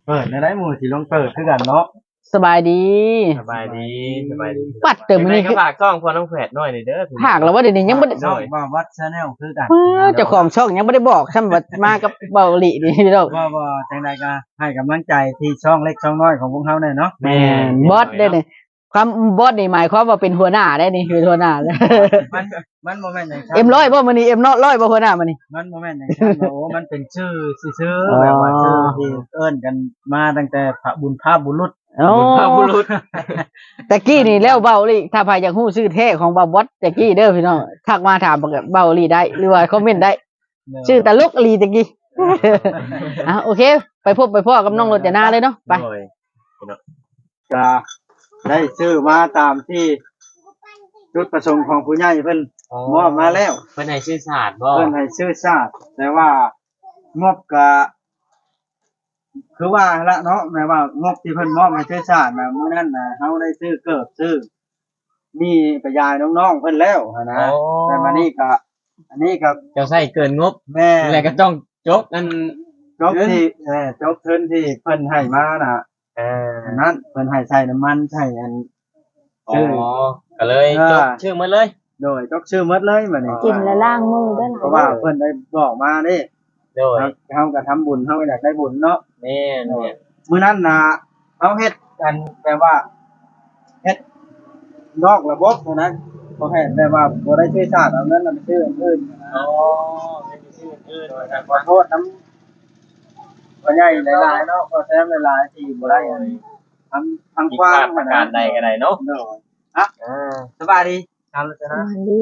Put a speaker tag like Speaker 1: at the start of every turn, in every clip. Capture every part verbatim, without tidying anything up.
Speaker 1: เปิดในได้หมู่ที่ลงเปิดคือกันเนาะ
Speaker 2: สบายดี
Speaker 3: สบายดีสบายดี
Speaker 2: ปัดเติมนี่
Speaker 3: ก็ฝากช่องพอน้องแฝดหน่อยเด้อ
Speaker 2: ภาคแล้วว่าเดี๋ยวนี้ยังบ่ได้
Speaker 1: ช่องว่าวัด Channel คือกัน
Speaker 2: เจ้าของช่องยังบ่ได้บอกซ้ำว่ามากับเบาหลีนี่พี่น้อง
Speaker 1: ว่าว่าจังได๋ก็ให้กำลังใจที่ช่องเล็กช่องน้อยของพวกเฮาแน่เนาะ
Speaker 2: แม่นบอสได้นี่ความบอสนี่หมายความว่าเป็นหัวหน้าได้นี่เป็นหัวหน้า
Speaker 1: มันมันบ่แม่นจังซั่น
Speaker 2: เอ็มร้อยบ่มื้อนี้เอ็มน้อยร้อยบ่หัวหน้ามื้อนี้
Speaker 1: มันบ่แม่นจังซั่นโอ้มันเป็นชื่อซื่อๆแบบว่าชื่อที่เอิ้นกันมาตั้งแต่พระบุญพาบุรุษ
Speaker 2: บุญพาบุรุษตะกี้นี่แล้วเบาหลีถ้าใครอยากฮู้ชื่อแท้ของบ่าวบอสตะกี้เด้อพี่น้องทักมาถามเบาหลีได้หรือว่าคอมเมนต์ได้ชื่อตลกลีตะกี้อ่ะโอเคไปพบไปพ่อกับน้องรจนาเลยเนาะไป
Speaker 1: ก็ได้ชื่อมาตามที่จุดประสงค์ของผู้ใหญ่เพิ่นมอบมาแล้ว
Speaker 3: เพิ่นให้ชื่อชาติบ่
Speaker 1: เพิ่นให้ชื่อชาติแต่ว่างบก็คือว่าละเนาะแม้ว่างบที่เพิ่นมอบให้ชื่อชาติน่ะมื้อนั้นน่ะเฮาได้ซื้อเกิบซื้อมีกระยายน้องๆเพิ่นแล้วนะแต่มานี่ก็อันนี้ก็
Speaker 3: เจ้าใช้เกินงบ
Speaker 1: แม่
Speaker 3: แล้วก็ต้องจกนั่น
Speaker 1: จกที่เออจกทุนที่เพิ่นให้มาน่ะเออนั้นเพิ่นให้ใช้น้ำมันใช้อัน
Speaker 3: อ๋อก็เลยจกชื่อหมดเลย
Speaker 1: โดยจกชื่อหมดเลยบัดนี้
Speaker 4: กินแล้วล้างมือได้
Speaker 1: เพราะว่าเพิ่นได้บอกมาเด้โดยเฮาก็ทำบุญเฮาก็อยากได้บุญเนาะ
Speaker 3: แม่นเนี่ย
Speaker 1: มื้อนั้นน่ะเฮาเฮ็ดกันแปลว่าเฮ็ดนอกระบบเท่านั้นบ่ให้แปลว่าบ่ได้ชื่อชาติเอาเงินไปซื้ออื่น
Speaker 3: อ๋อไม่มีชื่ออื่นว่า
Speaker 1: ขอโทษนำบ่ใหญ่หลายๆเนาะก็แซมหลายๆที่บ่ได้ทำทางกว้าง
Speaker 3: ประการใดก็ได้เนาะ
Speaker 1: เนาะฮะเออสบายดีครับแล้วจ้ะนะ
Speaker 4: ดี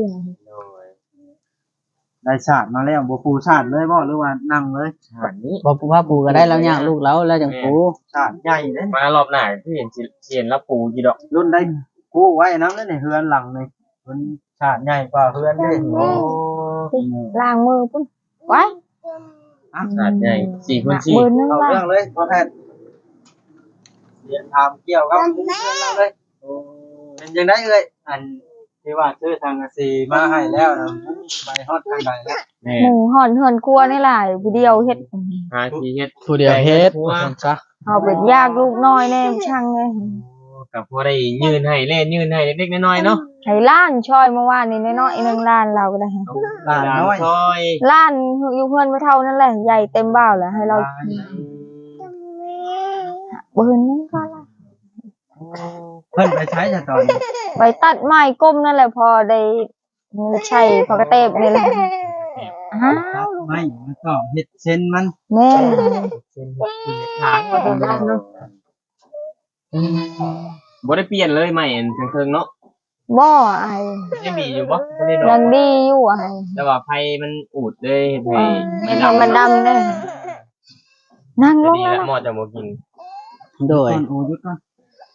Speaker 1: ได้ชาติมาแล้วบ่ปูชาติเลยบ่หรือว่านั่งเลย
Speaker 3: ชาตินี้
Speaker 2: บ่ปูว่าปูก็ได้แล้วย่างลูกแล้วแล้วจังปู
Speaker 1: ชาติใหญ่เด้
Speaker 3: มารอบหน้าที่เห็นสิเห็นแล้วปูกี่ดอก
Speaker 1: รุ่นได้ปูไว้นำเลยนี่เฮือนหลังนี่มันชาติใหญ่กว่าเฮือนเด้โอ้
Speaker 4: ล้างมือพุ่นไว้
Speaker 3: ชาติใหญ่สี่คูณสี่
Speaker 1: เอาเรื่องเลยพ่อแพทย์เรียนถามเกี่ยวกับเรื่องเราเลยโอ้เป็นจังได๋เอ้ยอันที่ว่าซื้อทางสีมาให้แล้วนะไปฮอดทางใดแล้ว
Speaker 4: หมูห่อนเฮือนครัวนี่หลายผู้เดียวเฮ็ด
Speaker 3: หาที่เฮ็ด
Speaker 2: ผู้เดียวเฮ็ดซะ
Speaker 4: เอาเป็นยากลูกน้อยแน่ช่างเลย
Speaker 3: ก็พอได้ยืนให้เล่นยืนให้เล็กๆน้อยๆเนาะ
Speaker 4: ให้ล้านช่อยเมื่อวานนี้น้อยๆนึงล้านเราก็ได้
Speaker 1: ล้านน้อย
Speaker 3: ช่อย
Speaker 4: ล้านอยู่เพื่อนไม่เท่านั่นแหละใหญ่เต็มบ้านแล้วให้เราเบิ่นนึงก็ล่ะ
Speaker 1: เพิ่นไปใช้จ้ะตอนนี้
Speaker 4: ไปตัดไม้ก้มนั่นแหละพอได้ใช่พอกระเตบนี่แหละ
Speaker 1: อ้าวไม่มันก็เฮ็ดเส้นมัน
Speaker 4: แม่
Speaker 3: เส้นทางว่าเป็นล้านเนาะบ่ได้เปลี่ยนเลยใหม่เทิงๆเนาะ
Speaker 4: บ่ไอ้
Speaker 3: ยังดีอยู่บ่บ่ได้ดอก
Speaker 4: ยังดีอยู่ไอ้
Speaker 3: แต่ว่าไผมันอูดเลยเฮ็ด
Speaker 4: ให้มันดำเด้นั่งลง
Speaker 3: แล้วหมอจะบ่กิน
Speaker 2: โดย
Speaker 1: โอ้ยุดก่อน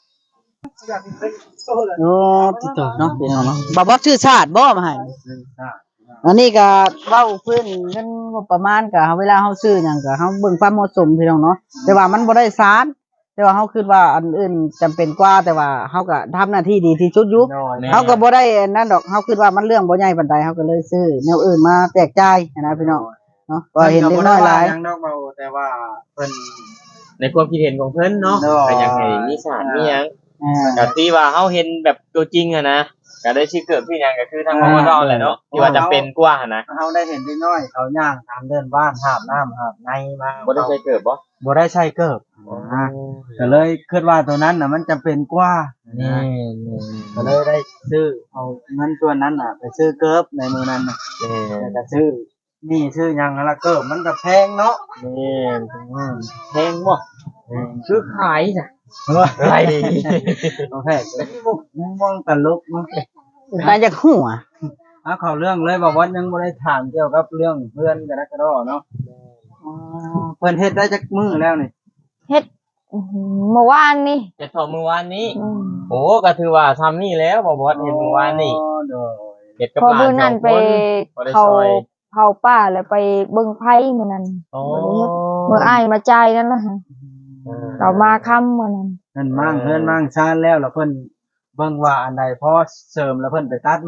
Speaker 2: โอ้ติดต่อเนาะพี่น้องเนาะบ่บ่ชื่อชาติบ่มาให้อันนี้ก็เว้าเพิ่นเงินงบประมาณก็เวลาเฮาซื้อหยังก็เฮาเบิ่งความเหมาะสมพี่น้องเนาะแต่ว่ามันบ่ได้สารแต่ว่าเฮาคิดว่าอันอื่นจำเป็นกว่าแต่ว่าเฮาก็ทำหน้าที่ดีที่สุดอยู่เฮาก็บ่ได้นั่นดอกเฮาคิดว่ามันเรื่องบ่ใหญ่ปานใดเฮาก็เลยซื้อแนวอื่นมาแจกจ่ายนะพี่น้องเนาะก็เห็นเด็กน้อยหลาย
Speaker 1: ยังดอกเบาแต่ว่าเพิ่น
Speaker 3: ในความคิดเห็นของเพิ่นเนาะก็อยากให้มีสารมีหยังก็ที่ว่าเฮาเห็นแบบตัวจริงอะนะก็ได้ชื่อเกิดพี่หยังก็คือทางพมดแหละเนาะที่ว่าจำเป็นกว่าหั่นนะ
Speaker 1: เฮาได้เห็นเด็กน้อยเขาย่างตามเดินบ้านหาบน้ำหาบในมา
Speaker 3: บ่ได้ใช้เกิดบ่
Speaker 1: บ่ได้ใช้เกิดอ่าก็เลยคิดว่าตัวนั้นน่ะมันจำเป็นกว่า
Speaker 3: นี่
Speaker 1: ก็เลยได้ซื้อเอาเงินส่วนนั้นน่ะไปซื้อเกิบในมื้อนั้นน่ะแล้วก็ซื้อนี่ซื้อหยังละเกิบมันก็แพงเนาะ
Speaker 3: นี่แพงบ่ซื้อขายจ้ะไร
Speaker 1: โอเคมองตลกมั้ง
Speaker 2: ตาจากหัว
Speaker 1: อ่ะเข้าเรื่องเลยบอกว่ายังบ่ได้ถามเกี่ยวกับเรื่องเพื่อนกันนะกระดอเนาะอ๋อเพิ่นเฮ็ดได้จักมื้อแล้วนี่
Speaker 4: เฮ็ดเมื่อวานนี่
Speaker 3: เฮ็ดพอเมื่อวานนี้โอ้ก็ถือว่าทำนี่แล้วบ่บ่เฮ็ดเมื่อวานนี่
Speaker 4: เฮ็ดกับหลานสองคนไปเขาเผาป่าแล้วไปเบิ่งไผมื้อนั้นอ๋อเมื่ออ้ายมาจ่ายนั่นล่ะเรามาค่ำมื้อนั้น
Speaker 1: นั่นมั่งเพิ่นมั่งชานแล้วแล้วเพิ่นเบิ่งว่าอันใดพอเสริมแล้วเพิ่นไปตัดมา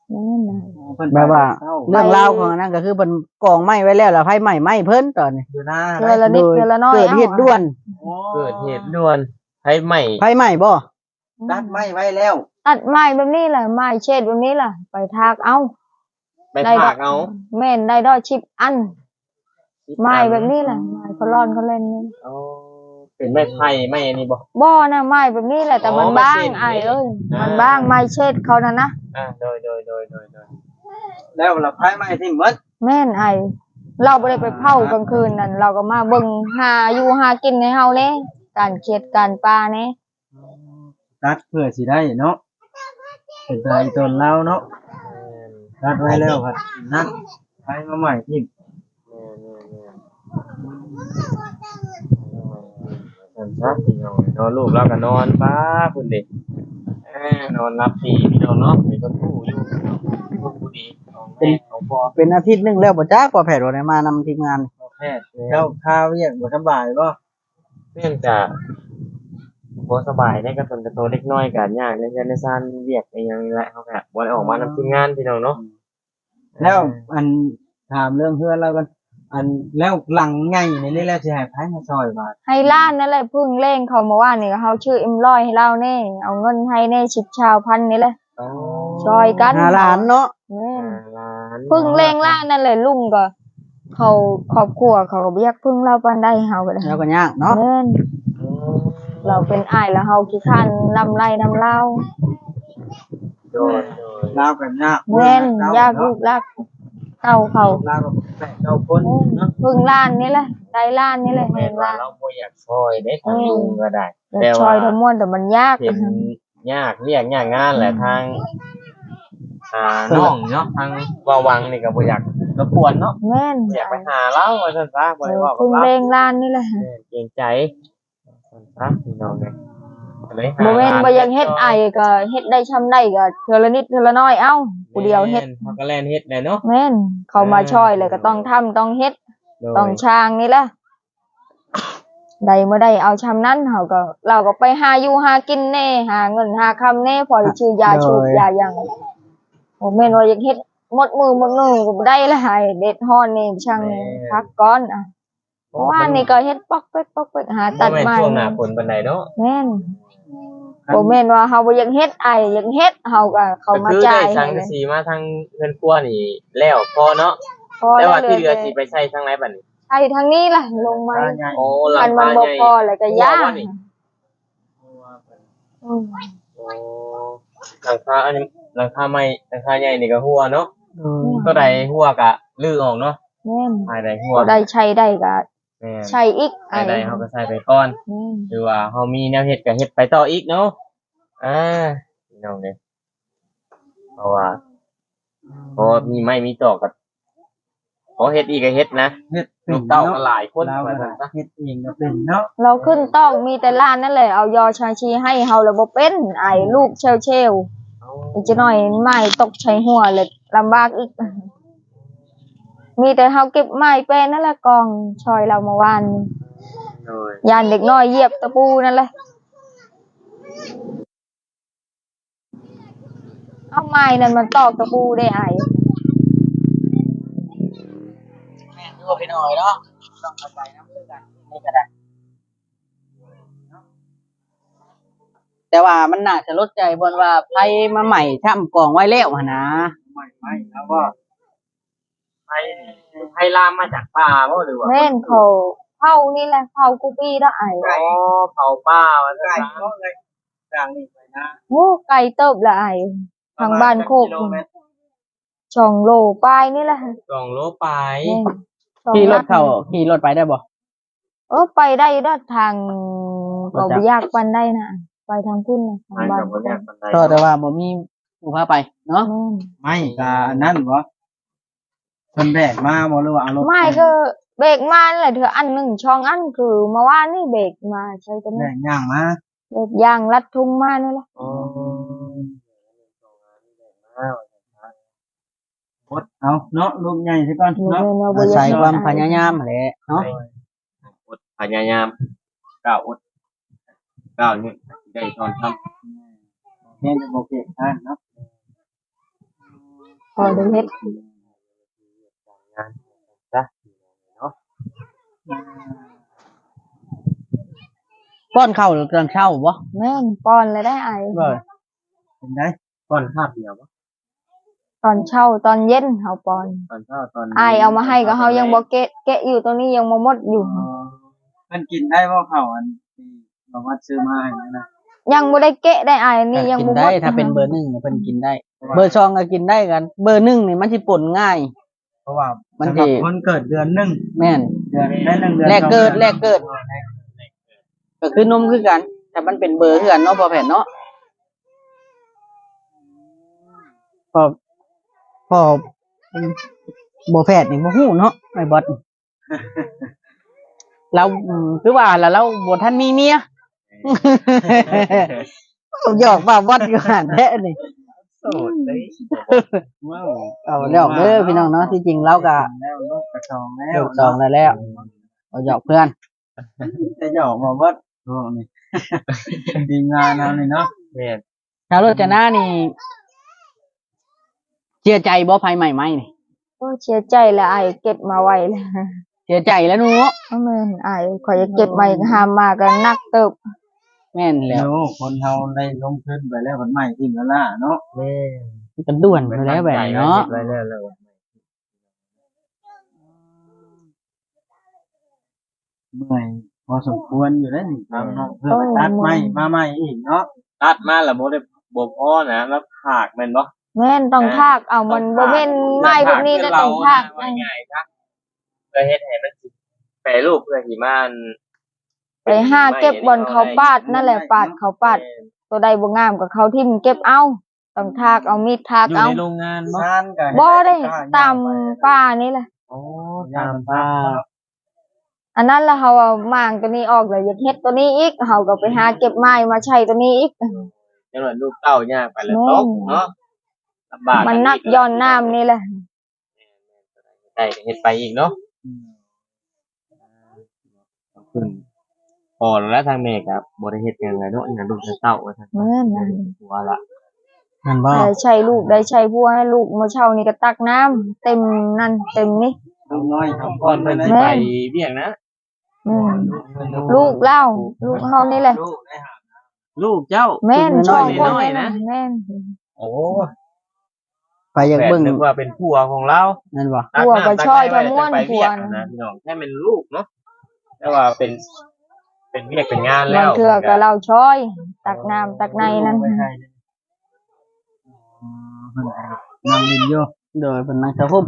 Speaker 4: แม่นน่ะ
Speaker 1: เพิ่น
Speaker 2: แบบว่า
Speaker 1: เช้า
Speaker 2: เรื่องราวของอันนั้นก็คือเพิ่นกองไม้ไว้แล้วแล้วไผไหม้ไหม้เพิ่นตอนนี้
Speaker 1: อยู่หน้า
Speaker 4: เทื่อละนิดเทื่อละน้อย
Speaker 2: เกิดเหตุด่วน
Speaker 3: เกิดเหตุด่วนให้ใหม่
Speaker 2: ไผไหม้บ่
Speaker 1: ตัดไม้ไว้แล้ว
Speaker 4: ตัดไม้แบบนี้แหละไม้เช็ดแบบนี้แหละไปทากเอา
Speaker 3: ไปถากเอา
Speaker 4: แม่นได้ดอกชิบอันไม้แบบนี้แหละไม้เขาร่อนเขาเล่นนี่
Speaker 3: เอาเป็นไม้ไผ่ไม้อันนี้บ่
Speaker 4: บ่นะไม้แบบนี้แหละแต่
Speaker 3: อ๋อ
Speaker 4: มันบ้าง
Speaker 3: ไม้เช็ด
Speaker 4: ไอ้เอ้ย
Speaker 3: อ่ามั
Speaker 4: มันบ้างไม้เช็ดเขานั่นนะ
Speaker 3: อ่าโดยโดยโดยโดยโดย
Speaker 1: แล้วเราไผไม้ที่หมด
Speaker 4: แม่นไอ้เราบ่ได้ไปเผากลางคืนนั่นเราก็มาเบิ่งหาอยู่หากินในเฮาเด้การเขียดการปลาเน่
Speaker 1: ตัดเพื่อสิได้เนาะเป็นใจตนเราเนาะตัดไว้แล้วครับนั่นไผมาใหม่ที่
Speaker 3: นอนซักพี่น้องนอนลูกแล้วก็นอนป้าคุณเด็กนอนรับดีพี่น้องเนาะมีคนผู้อยู่คนผู้ดีของแม่ของพ่อ
Speaker 2: เป็นอาทิตย์หนึงแล้วบ่จักว่าแพทย์ว่าได้มานำทีมงาน
Speaker 3: แพทย์
Speaker 1: เจ้าข้าวเรียกบ่สบายบ่
Speaker 3: เนื่องจากบ่สบายได้กระตุนกระโตเล็กน้อยกันยากในการในซานเวียกในยังนี่แหละเขาก็บ่ได้ออกมานำทีมงานพี่น้องเนาะ
Speaker 1: แล้วอันถามเรื่องเพื่อนเรากันอันแล้วหลังใหญ่นี่นี่แล้วสิให้ไผมาซอยบาด
Speaker 4: ให้ล้านนั่นแหละเพึ่งเล่งเขามาว่านี่ก็เฮาชื่อเอ็มร้อยให้เราแน่เอาเงินให้แน่สิบชาวพันนี่แหละ
Speaker 3: อ๋อ
Speaker 4: ช่วยกัน
Speaker 2: หาหลานเนาะ
Speaker 4: แม่น
Speaker 3: ล้าน
Speaker 4: พึ่งเล่งล้านนั่นแหละลุงก็เขาครอบครัวเขาก็บ่อยากพึ่งเราปานใดเฮาก็ได้
Speaker 2: แล้วก็ยากเนาะ
Speaker 4: แม่น
Speaker 3: อ๋อ
Speaker 4: เราเป็นอ้ายแล้วเฮาขี้คร้านนำไล่นำเล่า
Speaker 3: โดยโดย
Speaker 1: ลาวกันยาก
Speaker 4: แม่นยากลูกรักเต้าเขา
Speaker 1: ลาวก็แปดเก้าคน
Speaker 4: แม่น
Speaker 1: เนาะ
Speaker 4: พึ่งล้านนี่แหละได้ล้านนี่แหละ
Speaker 3: แม่
Speaker 4: เห็น
Speaker 3: นว่า
Speaker 4: ล้าน
Speaker 3: เราบ่อยากซอยได้ทางลุงก็ได้
Speaker 4: แต่
Speaker 3: แต่
Speaker 4: ช่
Speaker 3: ว่า
Speaker 4: วยทั้งมวลแต่มันยาก
Speaker 3: เห็นยากเรียกยากงานแหละทางอ่าน้องเนาะทางวาวังนี่ก็บ่อยากรบกวนเนาะ
Speaker 4: แม่น
Speaker 3: บ่อยากไปหาเราว่าซั่นซะบ่ได้เว้ากับ
Speaker 4: พึ่ง
Speaker 3: เรา
Speaker 4: เล่งล้านนี่แหละ
Speaker 3: เออเกรงใจซั่นซะพี่น้องเนี่ยก็เลยหา
Speaker 4: บ่แม่นบ่อยังเฮ็ดไอ้ก็เฮ็ดได้ช่ำได้ก็เทื่อละนิดเทื่อละน้อยเอ้าผู้เดียวเฮ็ด
Speaker 3: แม่นเขาก็แล่นเฮ็ดแหละเนาะ
Speaker 4: แม่นเขามาช่วยเลยก็ต้องทำต้องเฮ็ด
Speaker 3: โดย
Speaker 4: ต้องช่างนี่แหละใดเมื่อใดเอาชำนั้นเขาก็เราก็ไปหาอยู่หากินแน่หาเงินหาคำแน่พอได้ชื่อยาชูบยาหยังโอ้แม่นว่าอยากเฮ็ดหมดมือหมดมือก็บ่ได้ละให้เด็ดฮ้อนนี่ช่างนี่พักก่อนอ่ะเพราะว่านี่ก็เฮ็ดปอกเป๊กปอกเป๊กหาตัด
Speaker 3: บ่แม่น
Speaker 4: ไม้
Speaker 3: ช่วงหน้าฝนปานใดเนาะ
Speaker 4: แม่นบ่แม่นว่าเฮาบ่อยากเฮ็ดไอ้อยากเฮ็ดเฮาก็เข้ามา
Speaker 3: ก็คือ
Speaker 4: จ่า
Speaker 3: ได้
Speaker 4: ย
Speaker 3: สั
Speaker 4: ให้
Speaker 3: ง
Speaker 4: เล
Speaker 3: กะ
Speaker 4: ย
Speaker 3: สีมาทางเงินครัวนี่แล้วพอเนาะ
Speaker 4: พอ
Speaker 3: แต่
Speaker 4: แล้ว
Speaker 3: ว่าที่เห
Speaker 4: เห
Speaker 3: ลื
Speaker 4: ลื
Speaker 3: อ
Speaker 4: อ
Speaker 3: สิไปใช้ทางไหนบัดนี้
Speaker 4: ไอ้ทางนี้ล่ะลงมา
Speaker 1: ตาใหญ่
Speaker 3: โอ้หลั
Speaker 4: อั
Speaker 3: ง
Speaker 4: นมัน
Speaker 3: คา
Speaker 4: บ่
Speaker 3: ใหญ่
Speaker 4: พอแล้วก็ยาก
Speaker 3: หัวบ่นี่
Speaker 4: อืม
Speaker 3: โอ้หลังคาอันนี้หลังคาใหม่หลังคาใหญ่นี่ก็หัวเนาะ
Speaker 2: เออ
Speaker 3: ตัวใดหัวก็ลื้อออกเนาะ
Speaker 4: แม่น
Speaker 3: ภายใดหัว
Speaker 4: บ่ได้ใช้ได้ก็
Speaker 3: แม่น
Speaker 4: ใช้อีกไอ้
Speaker 3: ภายใดเฮาก็ใส่ไปก่อน
Speaker 4: แม่น
Speaker 3: หรือว่าเฮามีแนวเฮ็ดก็เฮ็ดไปต่ออีกเนาะอ่าพี่น้องเด้อเพราะว่าเพราะว่ามีไม้มีตอกก็พอเฮ็ดอีกก็เฮ็ดนะ
Speaker 1: เฮ็ดเป็
Speaker 3: ลู
Speaker 1: น
Speaker 3: กเต้า
Speaker 1: เนาะ
Speaker 3: ก็หลายคน
Speaker 1: ลาว
Speaker 3: ว่า
Speaker 1: ก็
Speaker 3: ซั่นซะ
Speaker 1: เฮ็ดเองก็เป็นเนาะ
Speaker 4: เราขึ้นต้องมีแต่ล้านนั่นแหละเอายอชาชีให้เฮาแล้วบ่เป็นไอ้ลูกเชลเชลอีกจะหน่อยไม้ตกใช้หัวเลยลำบากอีก มีแต่เฮาเก็บไม้เป็นนั่นแหละกองชอยเราเมื่อวานนี้
Speaker 3: โดย
Speaker 4: ยานเด็กน้อยเหยียบตะปูนั่นแหละเอาไม้นั่นมันตอกตะปูได้ไอ้
Speaker 2: แม่นอยู่พี่น้อยเนาะต้องเข้าใจนำคือกันนี่ก็ได้แต่ว่ามันน่าจะลดใจบนว่าไผมาใหม่ช่ำกองไว้แล้วหั่นนะ
Speaker 1: ไม่ไม่แล้วก็
Speaker 3: ไผไผลามมาจากป่าบ่หรือว่า
Speaker 4: แม่นเขาเผานี่แหละเผากูปี้ได้ไอ้
Speaker 3: อ๋อเผาป่าว่าซั่
Speaker 1: ไก่
Speaker 3: นซะ
Speaker 1: เนาะเลยกลางนี่ไปนะ
Speaker 4: โอ้ไก่เติบละไอ้ทางบ้านโคก
Speaker 3: กิโลเมตร
Speaker 4: ช่องโลปลายนี่แหละ
Speaker 3: สองโลไป
Speaker 4: แม่นช่อง
Speaker 2: ขี่รถ
Speaker 4: ลัก
Speaker 2: เข้าขี่รถไปได้บ่
Speaker 4: เออไปได้ด้านทาง
Speaker 2: บ่
Speaker 4: ก็
Speaker 2: จ๊ะ
Speaker 4: บ่ยากปานได้นะไปทางคุณนะทาง
Speaker 3: ไป
Speaker 4: บ้าน
Speaker 3: กับบ่ยากปานใด
Speaker 2: ก็แต่ว่าบ่มีผู้พาไปเนาะ
Speaker 4: แม่น
Speaker 1: ไม่กาอันนั้นบ่เพิ่นแบกมาบ่หรือว่าเอารถ
Speaker 4: ไม่ก็เบรกมานั่นแหละเธออันหนึ่งช่องอันคือเมื่อวานนี่เบรกมาใช้ตัว
Speaker 1: แบ
Speaker 4: นี้
Speaker 1: กย่างมา
Speaker 4: เบรกยางรัดทุ่งมานี่แหละ
Speaker 3: อ๋อ
Speaker 1: พดเอาเนาะลูกใหญ่ซะก่อน
Speaker 4: เดี๋ยว
Speaker 1: เนาะ
Speaker 4: เดี๋ยว
Speaker 2: อาศัย
Speaker 4: เดี๋ยว
Speaker 2: ความพยายามแหละเนาะ
Speaker 3: อดพยายามก้าวอดก้าวนี่ได้ตอนทำ
Speaker 1: แม่นจะบ่เก็บทานเนาะ
Speaker 4: พอได้เฮ็ด
Speaker 3: งานจ้ะเนาะ
Speaker 2: ป้อนข้าวตอนเช้าบ่
Speaker 4: แม่นป้อนเลยได้ไอาย
Speaker 2: บ่
Speaker 1: เป็นได้
Speaker 3: ก่อนคาบเดียวบ่
Speaker 4: ตอนเช้าตอนเย็นเฮาป้อน
Speaker 3: ตอนเช้าตอน
Speaker 4: ไอายเอามาให้ก็เฮายังบ่เกะแกะอยู่ตรงนี้ยังบ่หมดอยู่
Speaker 1: เพิ่นกินได้บ่ข้าวอันที่บอกว่าซื้อมาให้นั่นนะ
Speaker 4: ยังบ่ได้เกะได้ไอายนี่ยัง
Speaker 2: กิน
Speaker 4: บ่หม
Speaker 2: ได้
Speaker 4: ด
Speaker 2: ถ้าเป็นเบอร์หนึ่งเพิ่นกินได้ เบอร์สองก็กินได้กัน เบอร์หนึ่งนี่มันสิป่นง่าย
Speaker 1: เพราะว่า
Speaker 2: มัน
Speaker 1: สำหรับ
Speaker 2: สิ
Speaker 1: คนเกิดเดือนหนึง
Speaker 2: แม่น
Speaker 1: เดือนได้หนึ่งเดือน
Speaker 2: แรกเกิด
Speaker 1: สองอน
Speaker 2: แรกเกิด ก็คือนมคือกันแต่มันเป็นเบอร์คือกันเนาะพอแผ่นเนาะพอพอบ่แพทย์นี่บ่ฮู้เนาะไอ้บอส เราอืมคือว่าแล้วเราบ่ทันมีเมีย หยอกว่าบอสอยู่หั่นแท้นี่
Speaker 3: โสดเด้
Speaker 1: ว้าว
Speaker 2: เอาแล้วเด้อพี่น้องเนาะที่จริงเราก็
Speaker 1: แล้วลูกกระชองแล้ว
Speaker 2: ลูกสองแล้วแล้วเอาหยอกเพื่อน
Speaker 1: จะหยอกมาเบิดโอ้นี่ ทีมงานเอานี่เนาะ
Speaker 3: แม่น
Speaker 2: ชาวโรจนานี่เสียใจบ่ภัยใหม่ไหมนี่
Speaker 4: โอ้เสียใจแล้วไอายเก็บมาไว้แล้ว
Speaker 2: เสียใจแล้วหนู
Speaker 4: เพราะแม่นไอายข่อยจะเก็บไว้หามมาก็นักเติบ
Speaker 2: แม่นแล้ว
Speaker 1: โอ้คนเฮาได้ลงทุนไปแล้วมันใหม่ทีมแล้วล่ะเนาะ
Speaker 3: แม่น
Speaker 2: กันด่วนอยู่แล้วแบบนี้เนาะ
Speaker 3: ไว้แล้วแล้ว
Speaker 1: เมื่อยพอสมควรอยู่แล้วนี่ทางน้องเพิ่มไปตัดใหม่มาใหม่อีกเนาะ
Speaker 3: ตัดมาแล้วบ่ได้บ่พอนะแล้วผากแม่นบ่
Speaker 4: แม่นต้องทากเอามันบ่แม่นไม้แบบนี้จะต้องทาก
Speaker 3: ว่าง่ายๆครับเพื่อเฮ็ดให้มันแปรรูปเพื่อที่มัน
Speaker 4: ไปหาเก็บบอนเขาปาดนั่นแหละปาดเขาปาด ตัวใดบ่งามกับเขาทิ่มเก็บเอาต้องทากเอามีดทาก
Speaker 3: อยู่
Speaker 4: เอา
Speaker 3: ในโรงงานบ่
Speaker 1: งานก็
Speaker 4: บ่ได้ตามป้านี่แหละ
Speaker 3: โอ้
Speaker 1: ตา
Speaker 3: ตาม ม
Speaker 1: ป้า
Speaker 3: ป้า
Speaker 4: อันนั้นแล้วเฮาเอามางตัวนี้ออกแล้วอยากเฮ็ดตัวนี้อีกเฮาก็ไปหาเก็บไม้มาใช้ตัวนี้อีก
Speaker 3: จังหวัดลูกเต้ายากไปแล้วตกเนาะลำบาก
Speaker 4: มันนักย้อนน้ำนี่แหละ
Speaker 3: ได้เฮ็ดไปอีกเนาะขอบคุณพอแล้วทางแม่ครับบ่ได้เฮ็ดหยังเลยเนาะงานลูกเต้าว่าซั่น
Speaker 4: แม่นนั่น
Speaker 3: หัวละ
Speaker 2: นั่นบ่
Speaker 4: ได้ใช้ลูกได้ใช้ผัวให้ลูกมาเช่านี่ก็ตักน้ำเต็มนั่นเต็มนี่
Speaker 1: ลูกน้อยทำ
Speaker 3: ก่อนเพิ่นสิไปเวียงนะ
Speaker 4: อืมลูกเล่าลูกเฮานี่แหละ
Speaker 1: ลูกได้หา
Speaker 3: ลูกเจ้า
Speaker 4: แม่นชอบคน
Speaker 3: น้อยๆนะ
Speaker 4: แม่น
Speaker 3: โอ้
Speaker 2: ไปอยาก
Speaker 3: แบ
Speaker 2: เบิ่ง
Speaker 3: นึกว่าเป็นผัวของเรา
Speaker 2: นั่นบ่
Speaker 4: ผัวก็ช่อยก็ม่วน
Speaker 3: ไป
Speaker 4: ผั
Speaker 3: เวี
Speaker 4: วย
Speaker 3: กนะพี่น้องแค่เป็นลูกเนาะแต่ว่าเป็น เป็นเวียกเป็นงานแล้
Speaker 4: บาง
Speaker 3: ว
Speaker 4: เทื่อก็เราช่อย ตักน้ำตักในนั่น
Speaker 1: ไว้ให้เลยอ๋อเพิ่นก็นั่งดินอยู่
Speaker 2: โดยเป็นนางสาวพุ่ม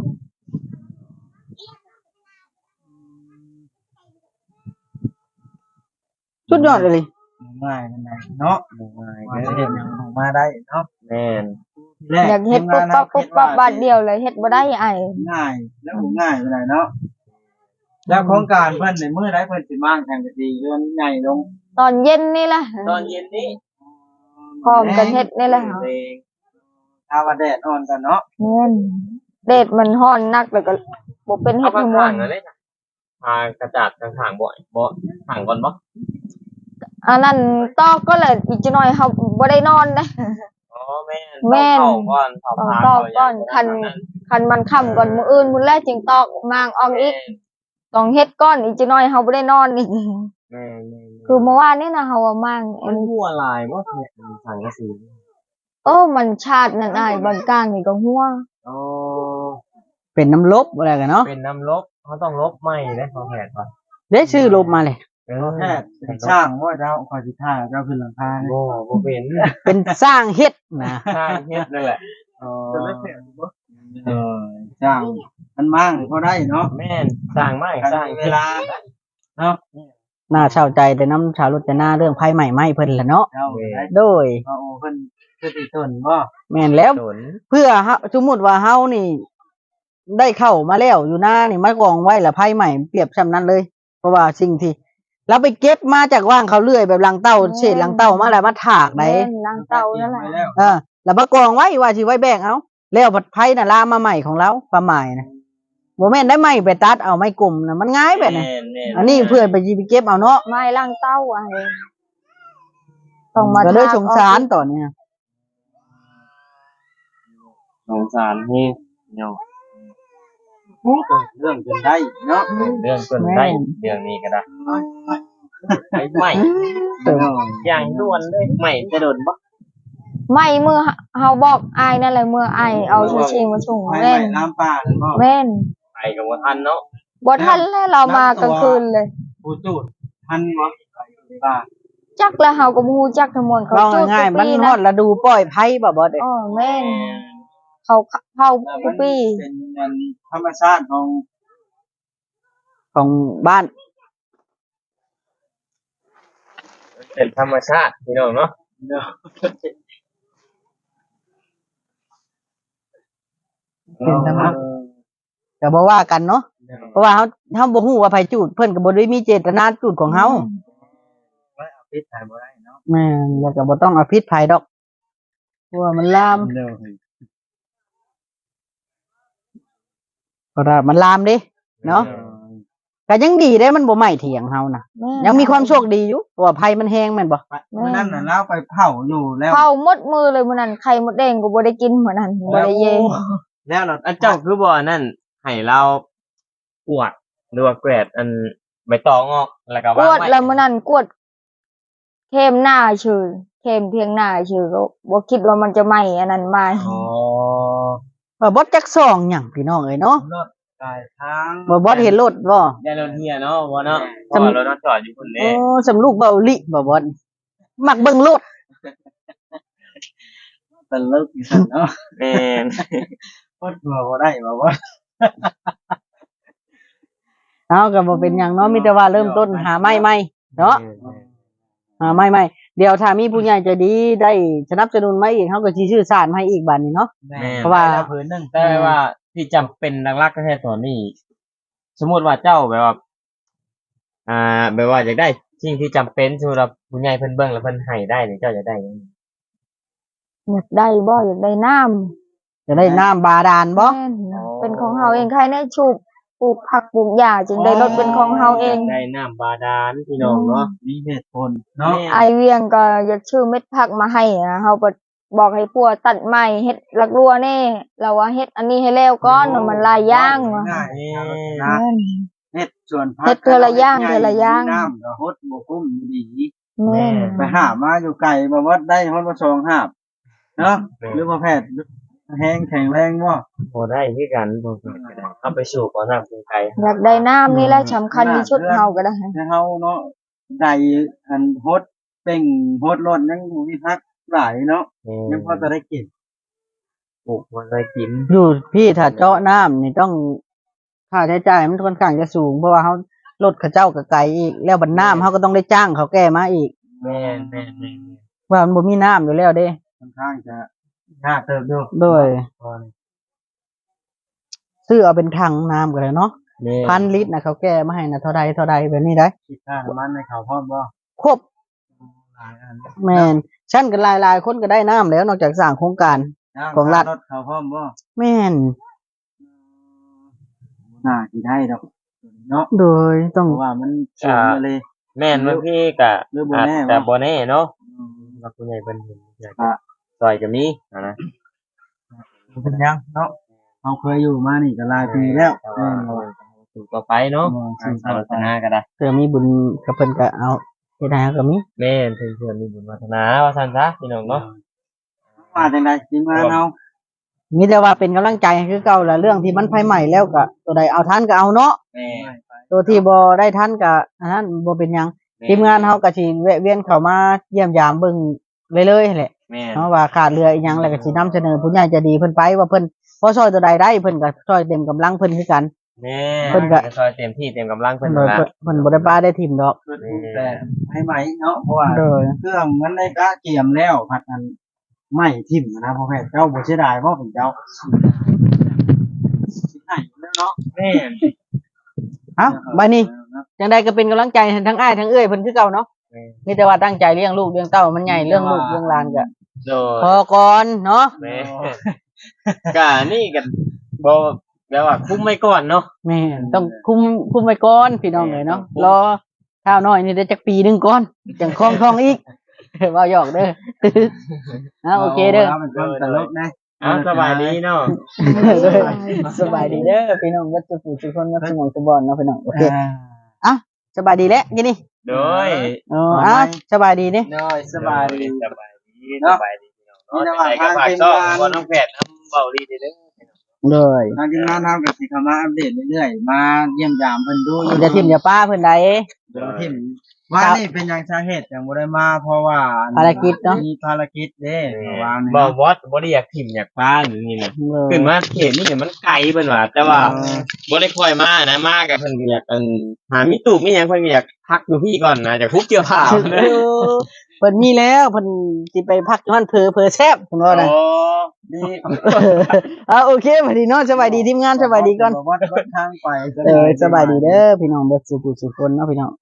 Speaker 2: สุดยอดเลย
Speaker 1: ง่ายนั่นแหละเนาะ
Speaker 3: ง่าย
Speaker 1: ว่า
Speaker 3: เด้
Speaker 1: จะเฮ็ดหยังออกมาได้เนาะ
Speaker 3: แม่น
Speaker 1: แร
Speaker 4: อยากเฮ็ดปุ๊บปั๊บปุ๊บปั๊บบาทเดียวเลยเฮ็ดบ่ได้ไอ้
Speaker 1: ง่ายแล้วบ่ง่ายไปไหนใดเนาะแล้วโครงการเพิ่นในมื้อใดเพิ่นสิมาแข่งกันดีเรื่องใหญ่ลง
Speaker 4: ตอนเย็นนี่แหละ
Speaker 3: ตอนเย็นนี้
Speaker 4: พร้อมกันเฮ็ดนี่แหละ
Speaker 3: เพลง
Speaker 1: ถ้าว่าแดดอ่อนกันเนาะ
Speaker 4: แม่นเดดมันร้อนนักแล้วก็บ่เป็นเฮ็
Speaker 3: เอา
Speaker 4: ด
Speaker 3: ข้า
Speaker 4: ให้ม่ว
Speaker 3: ง
Speaker 4: น
Speaker 3: ๆเลยนะพากระจาดทางทางบ่อยบ่ทางก่อนบ่
Speaker 4: อันนั้นตอกก็เลยอีกจักหน่อยเฮาบ่ได้นอนเด้
Speaker 3: อ๋อแม่น
Speaker 4: แม่น
Speaker 3: ต้องเข้าก่อนเข้า
Speaker 4: ต้อง
Speaker 3: พา
Speaker 4: ตอก
Speaker 3: เข้า
Speaker 4: ก่อนคันคันมันค่ำก่อนมื้ออื่นมื้อแรกจึงตอกมางออกอีกต้องเฮ็ดก่อนอีกจักหน่อยเฮาบ่ได้นอนอีก
Speaker 3: แม่น
Speaker 4: คือเมื่อวานนี่นะเฮาว่ามาง
Speaker 3: มันหัวลายบ่เนี่ยทางกระสี
Speaker 4: โอ้มันชาตินั่นอ้ายบอนกลางนี่ก็หัว
Speaker 3: อ๋อ
Speaker 2: เป็นน้ำลบอะไรกันเนาะ
Speaker 3: เป็นน้ำลบเขาต้องลบไหมได้พอแผดป่ะ
Speaker 2: ได้ชื่อลบมาเลย
Speaker 3: เอ
Speaker 1: แพทย์เป็นช่างว่าเจ้าคอยสิท่าเจ้าขึ้นหลังคาเนี่ย
Speaker 3: บ่บ่เป็น
Speaker 2: เป็นสร้างเฮ็ดนะ
Speaker 3: ทางเฮ็ดนั่นแหละ
Speaker 1: อ๋อเออช่างมันมั่งพอได้เนาะ
Speaker 3: แม่นสร้างไม้สร้าง
Speaker 1: เวลาเนาะ
Speaker 2: น่าเศร้าใจแต่น้ำชาวรจนาเรื่องภัยใหม่ไหม้เพิ่นละเนาะ
Speaker 1: เจ้าได้
Speaker 2: โดย
Speaker 1: โอ้เพิ่นคือสิทนบ่
Speaker 2: แม่นแล้ว
Speaker 3: สน
Speaker 2: เพื่อเฮาสมมุติว่าเฮานี่ ได้เข้ามาแล้วอยู่หน้านี่มากองไว้ละภัยใหม่เปรียบซ้ำนั้นเลย เพราะว่าสิ่งที่เราไปเก็บมาจากว่างเขาเลื่อยแบบลังเต้าเศษลังเต้ามาแล้วมาถากได้
Speaker 4: แม่นล้างเตานั่นแหละ
Speaker 1: ไปแล้ว
Speaker 2: เออแล้วมากองไว้ว่าสิไว้แบกเอาแล้วผัดไผ่น่ะลามมาใหม่ของเราความหมายนะบ่แม่นได้ไม้ไปตัดเอาไม้กลุ่มน่ะมันง่ายแบบนี้
Speaker 3: แม่นแม่น
Speaker 2: อันนี้เพื่อนไปยิไปเก็บเอาเนาะ
Speaker 4: ไม้ล้างเตาอ้ายต้องมา
Speaker 2: ก็เลย
Speaker 4: ทก
Speaker 2: สงสารตอนเนี้ย
Speaker 3: สงสารนี่เนาะ
Speaker 1: เรื่องจนได้เนาะ
Speaker 3: เรื่องส่วนได้เรื่องนี้ก็ได้ไอ้ใหม่อย่างด่วนเลยใหม่จะโดนบ่
Speaker 4: ไม่เมื่อเฮาบอกอายนั่นแหละเมื่ออายเอาชูชีมาส่ง
Speaker 1: ไม่
Speaker 4: แม่น
Speaker 1: น้ำป่าบ่
Speaker 4: แม่น
Speaker 3: ไปกับว่าทันเนาะ
Speaker 4: บ่ทันแล้วเรามากลางคืนเลย
Speaker 1: ผู้จูดทันบ่ป่า
Speaker 4: จักแล้วเฮาก็บ่ฮู้จักทั้งหมดเขา
Speaker 2: เรา
Speaker 4: จุด
Speaker 2: ง่าย
Speaker 4: ทุก
Speaker 2: ๆมัน
Speaker 4: ปี
Speaker 2: ฮอ
Speaker 4: นะ
Speaker 2: ดฤดูปล่อยไผ่บ่บ่เด้
Speaker 4: อ๋อแม่นเขาเข้าทุกปี
Speaker 1: เป็นอันธรรมชาติของ
Speaker 2: ของบ้าน
Speaker 3: เป็นธรรมชาติพี่น้องเนาะ
Speaker 2: เป็นธรรมชาติก็บ่ว่ากันเนาะเพราะว่าเฮาเฮาบ่ฮู้ว่าไผจูดเพิ่นก็บ่ได้มีเจตนาจูดของเฮา
Speaker 1: ไม่เอาพิษถ่ายบ่ได้เนาะ
Speaker 2: แม่นแล้วก็บ่ต้องเอาผิดไผดอกเพราะว่ามันลาม
Speaker 1: เด้อ
Speaker 2: เพราะว่ามันลามเด้เนาะก็ยังดีเด้มันบ่ไหม้เถียงเฮานะ
Speaker 4: แม่น
Speaker 2: ยังมีความโชคดีอยู่เพราะว่าไผมันแห้งแม่นบ่
Speaker 1: เมื่อนั้นน่ะเราไปเผาอยู่แล้ว
Speaker 4: เข้าหมดมือเลยมื้อนั้นไข่มดแดงก็บ่ได้กินมื้อนั้นบ่ได้เย
Speaker 1: แล้วเรา
Speaker 3: อันเจ้าคือบ่อนั่นให้เรากวดหรือว่าแกรดอันใบตองออกแล้วก็
Speaker 4: ก
Speaker 3: วาง
Speaker 4: วด
Speaker 3: ไว้
Speaker 4: แล้วมื้อนั้นกวดเข้มหน้าเฉยเข้มเพียงหน้าเฉยก็บ่คิดว่ามันจะไหม้อันนั้นมา
Speaker 3: อ๋อ
Speaker 2: ว่าบ่จักซองหยังพี่น้องเอ้ยเนาะ
Speaker 1: รถกายทาง
Speaker 2: บ่บ่เห็นรถบ่
Speaker 3: ได้รถเฮียเนาะบ่เนาะเพราะว่ารถนอนจอดอยู่พุ่น
Speaker 2: โอ้
Speaker 3: เด้
Speaker 2: สำลูกเบาลิบ่บ่มักเบิ่งรถ
Speaker 1: ตะลึกอยู่ซั่นเนาะ
Speaker 3: แม่น
Speaker 1: พดบ่บ่ได้บ่ว่า
Speaker 2: เอาก็บ่เป็นหยังเนาะมีแต่ว่าเริ่มต้นหาไม้ใหม่เนาะหาไม้ใหม่เดี๋ยวถ้ามีผู้ใหญ่ใจดีได้สนับสนุนมาอีกเฮาก็สิซื้อสารให้อีกบัดนี้เนาะ
Speaker 1: แม่
Speaker 2: เพราะว่า
Speaker 1: ได้ผืนหนึง
Speaker 3: แต่ว่าที่จำเป็นหลักๆก็แค่ตอนนี้ สมมุติว่าเจ้าแบบว่า อ่าแบบว่าอยากได้สิ่งที่จำเป็นสำหรับผู้ใหญ่เพิ่นเบิ่งแล้วเพิ่นให้ได้นี่เจ้าจะได้หยัง
Speaker 4: อยากได้บ่อยากได้น้ำ
Speaker 2: จะได้น้ำบาดาลบ่
Speaker 4: แม่นเป็นของเฮาเองใครได้ชูบปลูกผักปลูกหญ้าจึงได้รถเป็นของเฮาเอง
Speaker 3: ได้น้ำบาดาลพี่น้องเนาะ
Speaker 1: มีเหตุผลเนาะ
Speaker 4: ไอเวียงก็อยากชื่อเม็ดผักมาให้นะเฮาก็บอกให้ปัวตัดไม้เฮ็ดลักรัวแน่เราว่าเฮ็ดอันนี้ให้แล้วก่อนว่ามันหลายอย่างว่ะ
Speaker 1: ง่าย
Speaker 3: นี่
Speaker 1: ๆนะเฮ็ดส่วนพัก
Speaker 4: เฮ็ดเทื่อละอย่างเทื่อละอย่าง
Speaker 1: น้ำก็ฮดบ่คุ้มอยู่ดี
Speaker 4: แม่น
Speaker 1: ไปหามาอยู่ไกลบ่ว่าได้ฮอดบ่สองหาบเนาะหรือว่าแพทย์แห้งแข็งแรงบ่
Speaker 3: บ่ได้คือกันบ่ก็ได้เอาไปสู่ก่อนน้ำเป็นไกล
Speaker 4: อยากได้น้ำนี่แหละสำคัญที่สุดเฮาก็ได้
Speaker 1: แต่เฮาเนาะได้อันฮดเป่งฮดรถยังบ่มีพักหลายเนาะยังพอจะได้กิน
Speaker 3: ปลูกบ่ได้กิน
Speaker 2: อยู่พี่ถ้าเจาะน้ำนี่ต้องค่าใช้จ่ายมันค่อนข้างจะสูงเพราะว่าเฮารถเขาเจ้าก็ไกลอีกแล้วบัดน้ำเฮาก็ต้องได้จ้างเขาแก้มาอีก
Speaker 3: แม่นแม่นแม่น
Speaker 2: ว่ามันบ่มีน้ำอยู่แล้วเด้
Speaker 1: ค่อนข้างจะยากเติบอยู่
Speaker 2: โดยซื้อเอาเป็นถังน้ำก็ได้เนาะ
Speaker 3: แม่น
Speaker 2: พันลิตรนะเขาแก้มาให้นะเท่าใดเท่าใดแบบนี้ได้
Speaker 1: คิดค่าน้ำมันในเขาพร้อมบ่
Speaker 2: ครบ
Speaker 1: หลายอัน
Speaker 2: แม่นชั้นกันหลายๆคนก็ได้น้ำแล้วนอกจากสร้างโครงการ ของรัฐ
Speaker 1: รถเขาพร้อมบ่
Speaker 2: แม่น
Speaker 1: น่าสิได้ดอกเนาะ
Speaker 2: โดยต้อง
Speaker 1: เพราะว่ามันสูงมาเลย
Speaker 3: แม่นบางทีก็
Speaker 1: หรือบ่
Speaker 3: อาจ
Speaker 1: แน่
Speaker 3: จะ
Speaker 1: วะ
Speaker 3: บ่แน่เนาะว่าผู้ใหญ่เพิ่นเห็นอยากจะซอยก็มีอะนะ
Speaker 1: เป็นยังเนาะเราเคยอยู่มานี่ก็หลายปีแล้ว
Speaker 3: แต่ว่าสู่ต่อไปเนาะ
Speaker 1: อืม
Speaker 3: สู่ศาสนาก็ได้
Speaker 2: เธอมีบุญกับเพิ่นก็เอาเฮ็ดให้ก็มี
Speaker 3: แม่นเพิ่นๆมีบุญวาสนาว่าซั่นซะพี่น้องเนาะ
Speaker 1: ว่าจังได๋ทีมงานเฮา
Speaker 2: มีแต่ว่าเป็นกำลังใจให้คือเก่าแหละเรื่องที่มันไฟใหม่แล้วก็ตัวใดเอาทันก็เอาเนาะ
Speaker 3: แม่
Speaker 2: ตัวที่บ่ได้ทันก็อันนั้นบ่เป็นหยังทีมงานเฮาก็สิแวะเวียนเข้ามาเยี่ยมยามเบิ่งเรื่อยๆแหละ
Speaker 3: แม่น
Speaker 2: เนาะว่าขาดเรืออีหยังแล้วก็สินำเสนอผู้ใหญ่ใจะดีเพิ่นไปว่าเพิ่นพอช่วยตัวใดได้เพิ่นก็ช่วยเต็มกำลังเพิ่นคือกัน
Speaker 3: แม่
Speaker 2: เพิ่นก็
Speaker 3: ซอยเต็มที่เต็มกำลัง
Speaker 2: เพิ่
Speaker 3: เพิ่
Speaker 2: น
Speaker 3: น
Speaker 2: บ่
Speaker 3: นั่นล่ะ
Speaker 2: เพิ่นบ่ได้ป้าได้ทิ่มดอก
Speaker 1: คือถูกแต่ให้ใหม่เนาะเพราะว่า
Speaker 2: โดย
Speaker 1: เครื่องมันได้กะเกียมแล้วผัดอันไม่ทิ่มนะพ่อแม่เจ้าบ่เสียดายบ่ผมเจ้าสิให้แล้วเนาะ
Speaker 3: แม่น
Speaker 2: เอ้าบัดนี้จังใดก็เป็นกำลังใจให้ทั้งอ้ายทั้งเอ้ยเพิ่นคือเก่าเนาะ
Speaker 3: แม่น
Speaker 2: มีแต่ว่าตั้งใจเลี้ยงลูกเลี้ยงเต้ามันใหญ่เรื่องลูกเรื่องหลานก็
Speaker 3: โด
Speaker 2: พอย ก่อนเนาะ
Speaker 3: แม่ก็นี่กันบ่แบบว่าคุ้มไว้ก่อนเนาะ
Speaker 2: แม่นต้องคุมคุมไว้ก่อนพี่น้องเอ้ยเนาะรอข้าวน้อยนี่ได้จักปีหนึงก่อนจังคล่องท้องอีก เว้าหยอกเด้อ เอาโอเคเด้อ
Speaker 1: มันก็ตลกนะ
Speaker 3: อ้าวสบายดีเนาะ
Speaker 2: สบายดีเด้อพี่น้องวัดจุกุทุกคนวัดสมองสมบอนเนาะพี่น้องโอเคอ่ะสบายดีแล้วกินนี่
Speaker 3: โดย
Speaker 2: อ๋ออ่ะสบายดีนี่
Speaker 1: น้อยสบายดี
Speaker 3: สบายดีสบายดีพี่น้องเนาะไปกับฝากซ่อมบ่น้องแพทย์นำเบาดีเด้อ
Speaker 2: เลย
Speaker 1: ทางทีมงานทำกับสิเข้ามาอัปเดตเรื่อยๆมาเยี่ยมยามเพิ่นดูอยู่
Speaker 2: อย่าทิ่มอย่าป้าเพิ่นใด
Speaker 1: เดี๋ยวทิมว่านี่เป็นหยังสาเหตุจังบ่ได้มาเพราะว่า
Speaker 2: ภารกิจเนาะ
Speaker 1: มีภารกิจเด้เมื่อวานนี้
Speaker 3: บ่
Speaker 1: เนาะ
Speaker 3: วอดบ่ได้อยากถิ่มอยากป้าหรือนี่นะ
Speaker 2: เลย
Speaker 3: ขึ้นมาเขตนี่เนี่ยมันไกลเพิ่นว่าแต่ว่าบ่ได้ค่อยมานะมากับเพิ่นก็อยากอันหามิตุมีหยังเพิ่นก็อยากพักอยู่พี่ก่อนนะอยากทุบเกี่ยวผ้า
Speaker 2: เออเพิ่นมีแล้วเพิ่นสิไปพักอยู่นั่นเพอเพอแซ่บเพิ่นว่านะ
Speaker 3: โอ้
Speaker 1: ดี
Speaker 2: อ่าโอเคสวัสดีเนาะสบายดีทีมงานสบายดีก่อน
Speaker 1: วัดวัดทางไป
Speaker 2: เออสบายดีเด้อพี่น้องเบิดสุขุสุขคนเนาะพี่น้อง